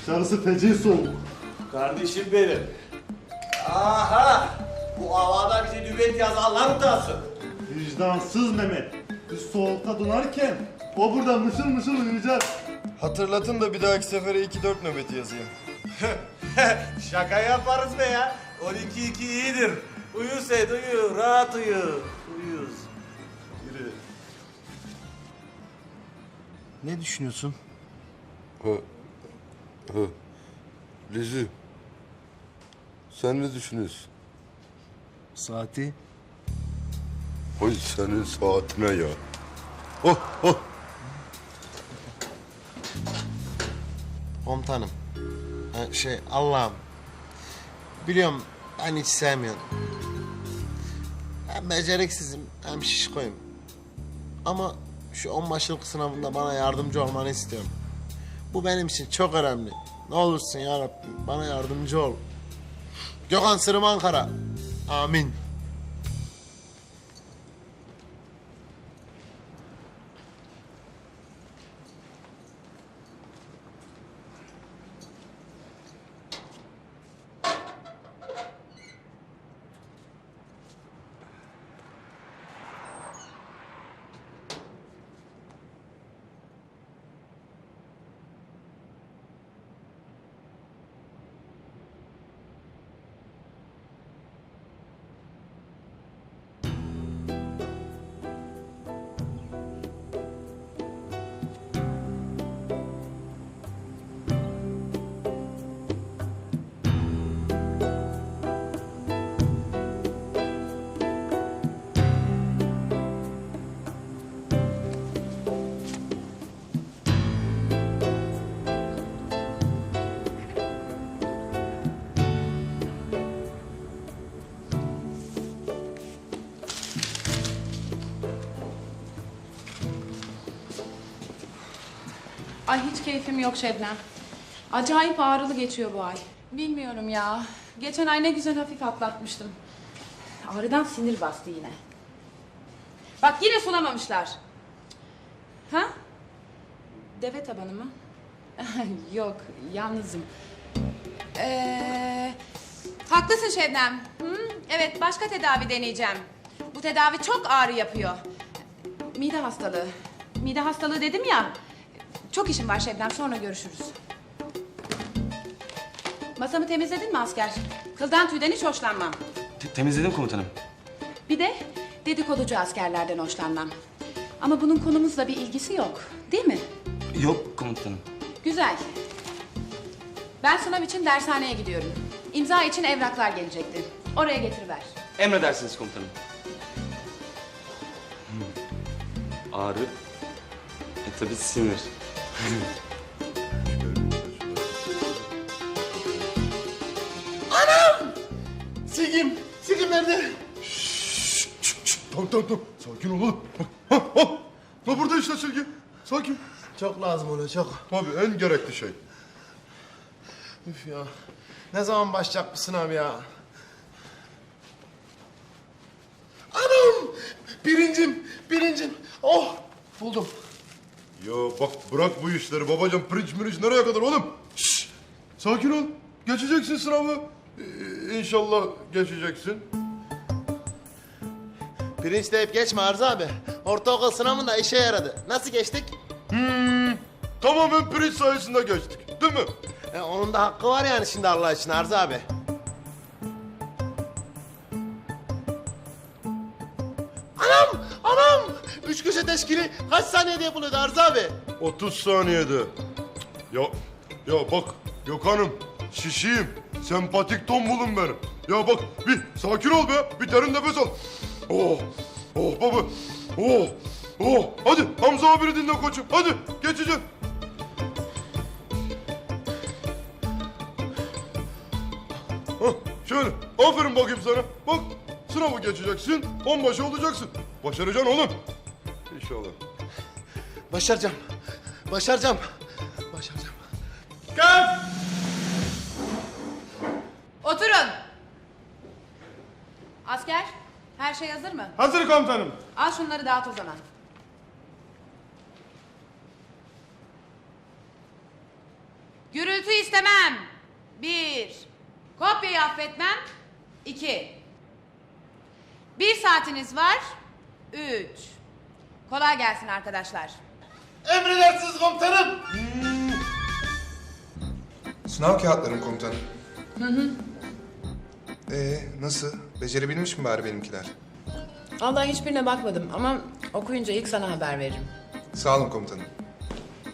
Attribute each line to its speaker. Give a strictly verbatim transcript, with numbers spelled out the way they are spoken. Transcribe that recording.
Speaker 1: Dışarısı feci soğuk.
Speaker 2: Kardeşim benim. Aha! Bu havada bizi nöbet yazarlar utasın.
Speaker 1: Vicdansız Mehmet. Biz soğukta donarken o burada mışıl mışıl uyuyacak.
Speaker 3: Hatırlatın da bir dahaki sefere iki dört nöbeti yazayım.
Speaker 2: Şaka yaparız be ya. on iki iki iyidir. Uyu Seyit uyu, rahat uyu. Uyuz. Yürü.
Speaker 3: Ne düşünüyorsun?
Speaker 4: Ha, ha. Lezi, sen ne düşünüyorsun?
Speaker 3: Saati?
Speaker 4: Hay senin saatine ya. Oh, oh.
Speaker 5: Komutanım. Ha, şey Allah'ım. Biliyorum ben hiç sevmiyorum. Hem beceriksizim hem şişkoyum. Ama şu onbaşılık sınavında bana yardımcı olmanı istiyorum. Bu benim için çok önemli. Ne olursun ya Rabbim bana yardımcı ol. Gökhan Sırım Ankara. Amin.
Speaker 6: Ay hiç keyfim yok Şebnem. Acayip ağrılı geçiyor bu ay. Bilmiyorum ya. Geçen ay ne güzel hafif atlatmıştım. Ağrıdan sinir bastı yine. Bak yine sulamamışlar. Ha? Deve tabanı mı? Yok, yalnızım. Ee, haklısın Şebnem. Hı? Evet, başka tedavi deneyeceğim. Bu tedavi çok ağrı yapıyor. Mide hastalığı. Mide hastalığı dedim ya. Çok işim var Şebnem, sonra görüşürüz. Masamı temizledin mi asker? Kıldan tüyden hiç hoşlanmam.
Speaker 7: Te- temizledim komutanım.
Speaker 6: Bir de dedikoducu askerlerden hoşlanmam. Ama bunun konumuzla bir ilgisi yok, değil mi?
Speaker 7: Yok komutanım.
Speaker 6: Güzel. Ben sınav için dershaneye gidiyorum. İmza için evraklar gelecekti. Oraya getiriver.
Speaker 7: Emredersiniz komutanım. Hmm. Ağrı. E tabi sinir.
Speaker 5: Sigim. Sigim nerede?
Speaker 4: Tamam, tamam, tamam. Sakin ol oğlum. Ha, ha, ha. Ha, burada işte silgi. Sakin.
Speaker 5: Çok lazım ona çok.
Speaker 4: Tabii en gerekli şey.
Speaker 5: Üf ya. Ne zaman başlayacak bu sınav ya? Anam! Birincim, birincim. Oh! Buldum.
Speaker 4: Ya bak bırak bu işleri babacığım. Pirinç mirinç nereye kadar oğlum? Şşş. Sakin ol. Geçeceksin sınavı. Ee, İnşallah geçeceksin.
Speaker 5: Pirinç deyip geçme Arzu abi. Ortaokul sınavında işe yaradı. Nasıl geçtik?
Speaker 4: Hmm, tamamen pirinç sayesinde geçtik. Değil mi?
Speaker 5: E, onun da hakkı var yani şimdi Allah için Arzu abi. Anam! Anam! Üç köşe teşkili kaç saniyede yapılıyordu Arzu abi?
Speaker 4: otuz saniyede. Ya ya bak Gökhan'ım şişiyim. Sempatik tombulum benim. Ya bak bir sakin ol be. Bir derin nefes al. Oh. Oh baba. Oh. Oh. Hadi Hamza abini dinle koçum. Hadi geçeceğim. Hah, şöyle. Aferin bakayım sana. Bak sınavı geçeceksin. Onbaşı olacaksın. Başaracaksın oğlum. İnşallah.
Speaker 5: Başaracağım. Başaracağım. Başaracağım.
Speaker 6: Oturun. Asker, her şey hazır mı?
Speaker 1: Hazır komutanım.
Speaker 6: Al şunları dağıt o zaman. Gürültü istemem. Bir. Kopyayı affetmem. İki. Bir saatiniz var. Üç. Kolay gelsin arkadaşlar.
Speaker 2: Emredersiniz komutanım.
Speaker 8: Sınav kağıtlarım komutanım. Hı hı. Ee, nasıl? Becerebilmiş mi bari benimkiler?
Speaker 6: Vallahi hiçbirine bakmadım ama okuyunca ilk sana haber veririm.
Speaker 8: Sağ olun komutanım.